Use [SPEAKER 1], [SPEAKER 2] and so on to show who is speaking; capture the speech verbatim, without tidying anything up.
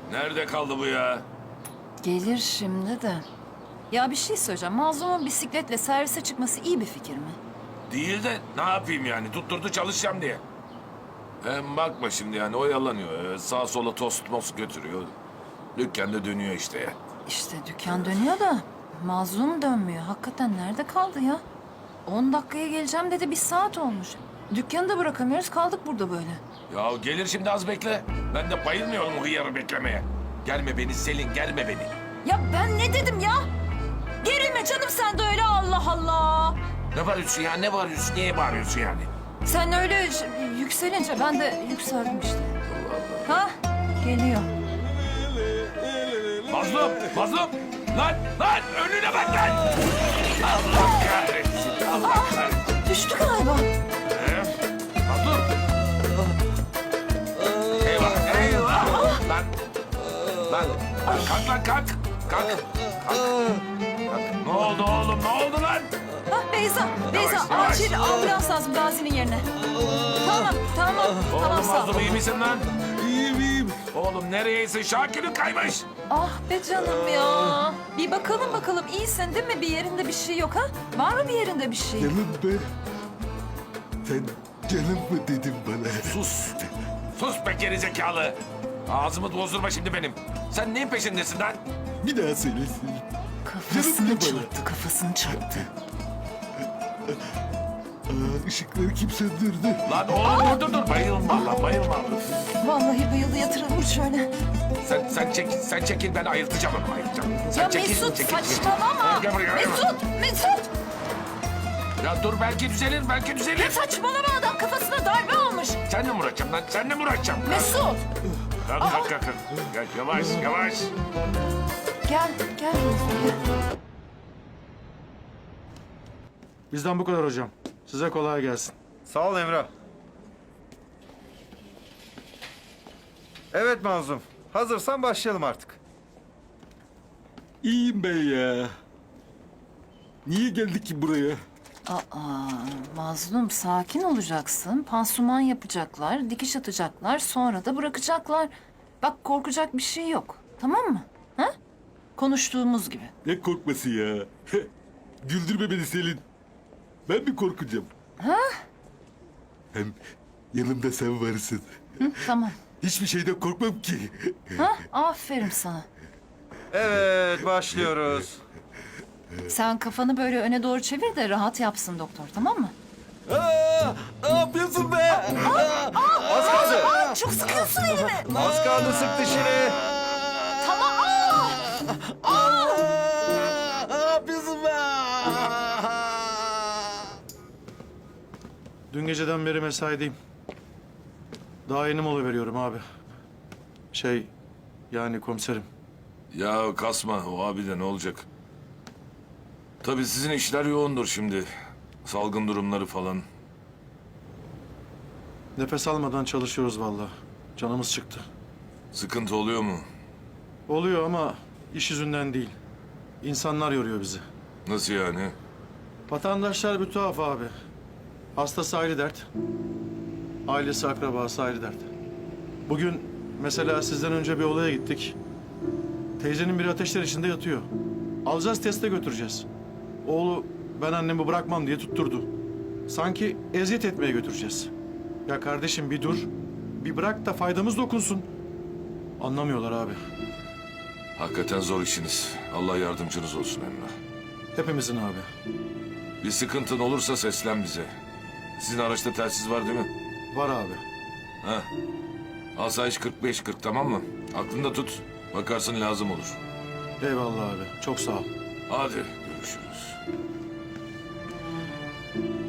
[SPEAKER 1] Nerede kaldı bu ya?
[SPEAKER 2] Gelir şimdi de. Ya bir şey söyleyeceğim. Mazlumun bisikletle servise çıkması iyi bir fikir mi?
[SPEAKER 1] Değil de ne yapayım yani? Tutturdu çalışacağım diye. Hem bakma şimdi yani oyalanıyor. Ee, Sağa sola tost most götürüyor. Dükkanda dönüyor işte ya.
[SPEAKER 2] İşte dükkan dönüyor da Mazlum dönmüyor. Hakikaten nerede kaldı ya? On dakikaya geleceğim dedi, bir saat olmuş. Dükkanı da bırakamıyoruz, kaldık burada böyle.
[SPEAKER 1] Ya gelir şimdi az bekle. Ben de bayılmıyorum o hıyarı beklemeye. Gelme beni Selin, gelme beni.
[SPEAKER 2] Ya ben ne dedim ya? Gerilme canım sen de öyle, Allah Allah.
[SPEAKER 1] Ne bağırıyorsun ya? Ne bağırıyorsun? Niye bağırıyorsun yani?
[SPEAKER 2] Sen öyle ş- yükselince ben de yükseldim işte. Ha? Geliyor.
[SPEAKER 1] Mazlum, mazlum! Lan, lan! Önüne bak lan! Allah kahretsin, Allah kahretsin.
[SPEAKER 2] Düştü galiba.
[SPEAKER 1] Ee, mazlum! Eyvah, eyvah! Lan, lan! Kalk lan, kalk! Kalk, kalk! Kalk. Ne oldu oğlum, ne oldu lan?
[SPEAKER 2] Ha Beyza, Beyza
[SPEAKER 1] Yavaş, yavaş.
[SPEAKER 2] acil ambulans lazım Gazi'nin yerine. Tamam, tamam, tamam
[SPEAKER 1] Oğlum
[SPEAKER 2] sağ ol.
[SPEAKER 1] mazlum iyi misin lan?
[SPEAKER 3] İyiyim iyiyim.
[SPEAKER 1] Oğlum nereyeyse Şakir'in kaymış.
[SPEAKER 2] Ah be canım ya. Bir bakalım bakalım, iyisin değil mi? Bir yerinde bir şey yok ha? Var mı bir yerinde bir şey?
[SPEAKER 3] Canım ben. Sen canım mı dedin bana?
[SPEAKER 1] Sus! Sus be gerizekalı! Ağzımı bozdurma şimdi benim. Sen neyin peşindesin lan?
[SPEAKER 3] Bir daha söylesin.
[SPEAKER 2] Kafasını
[SPEAKER 3] Canım ne bana?
[SPEAKER 2] çarptı, kafasını çarptı.
[SPEAKER 3] Aa, ışıkları kim söndürdü?
[SPEAKER 1] Lan oğlum dur dur dur. Bayılma lan bayılma.
[SPEAKER 2] Vallahi bayıldı, yatırılır şöyle.
[SPEAKER 1] Sen sen çek sen çekil ben ayıltacağım onu ayıltacağım. Sen
[SPEAKER 2] Ya
[SPEAKER 1] çekil,
[SPEAKER 2] Mesut
[SPEAKER 1] çekil, çekil.
[SPEAKER 2] saçmalama.
[SPEAKER 1] Gel buraya, gel buraya.
[SPEAKER 2] Mesut, Mesut.
[SPEAKER 1] Ya dur belki düzelir belki
[SPEAKER 2] Ya
[SPEAKER 1] düzelir.
[SPEAKER 2] saçmalama, adam kafasına darbe olmuş.
[SPEAKER 1] Senle mi uğraşacağım lan? Senle mi uğraşacağım?
[SPEAKER 2] Mesut.
[SPEAKER 1] Kalk kalk kalk. kalk. Gel yavaş yavaş.
[SPEAKER 2] Gel, gel Mesut, gel.
[SPEAKER 4] Bizden bu kadar hocam. Size kolay gelsin.
[SPEAKER 5] Sağ ol Emrah. Evet Mazlum. Hazırsan başlayalım artık.
[SPEAKER 3] İyiyim ben ya. Niye geldik ki buraya?
[SPEAKER 2] Aa, Mazlum sakin olacaksın. Pansuman yapacaklar, dikiş atacaklar, sonra da bırakacaklar. Bak korkacak bir şey yok. Tamam mı? Ha? Konuştuğumuz gibi.
[SPEAKER 3] Ne korkması ya? Güldürme beni Selin. Ben mi korkacağım?
[SPEAKER 2] Ha?
[SPEAKER 3] Hem yanımda sen varsın.
[SPEAKER 2] Hı, tamam.
[SPEAKER 3] Hiçbir şeyden korkmam ki.
[SPEAKER 2] Ha? Aferin sana.
[SPEAKER 5] Evet başlıyoruz.
[SPEAKER 2] Sen kafanı böyle öne doğru çevir de rahat yapsın doktor, tamam mı?
[SPEAKER 3] Aa, ne yapıyorsun be?
[SPEAKER 5] Az kaldı.
[SPEAKER 2] Aa, çok sıkıyorsun elimi.
[SPEAKER 5] Az kaldı sık dişini.
[SPEAKER 2] Tamam. Aa! Aa!
[SPEAKER 3] Ne yapıyorsun be?
[SPEAKER 4] Dün geceden beri mesaideyim. Daha yeni mola veriyorum abi. Şey, yani komiserim.
[SPEAKER 1] Ya kasma o abi de ne olacak? Tabii sizin işler yoğundur şimdi. Salgın durumları falan.
[SPEAKER 4] Nefes almadan çalışıyoruz vallahi. Canımız çıktı.
[SPEAKER 1] Sıkıntı oluyor mu?
[SPEAKER 4] Oluyor ama iş yüzünden değil. İnsanlar yoruyor bizi.
[SPEAKER 1] Nasıl yani?
[SPEAKER 4] Vatandaşlar bir tuhaf abi. Hastası ayrı dert. Ailesi, akrabası ayrı dert. Bugün mesela sizden önce bir olaya gittik. Teyzenin biri ateşler içinde yatıyor. Alacağız teste götüreceğiz. Oğlu ben annemi bırakmam diye tutturdu. Sanki eziyet etmeye götüreceğiz. Ya kardeşim bir dur. Bir bırak da faydamız dokunsun. Anlamıyorlar abi.
[SPEAKER 1] Hakikaten zor işiniz. Allah yardımcınız olsun Emrah.
[SPEAKER 4] Hepimizin abi.
[SPEAKER 1] Bir sıkıntın olursa seslen bize. Sizin araçta telsiz var değil mi?
[SPEAKER 4] Var abi.
[SPEAKER 1] Ha. Asayiş kırk beş kırk tamam mı? Aklında tut. Bakarsın lazım olur.
[SPEAKER 4] Eyvallah abi. Çok sağ ol.
[SPEAKER 1] Hadi görüşürüz.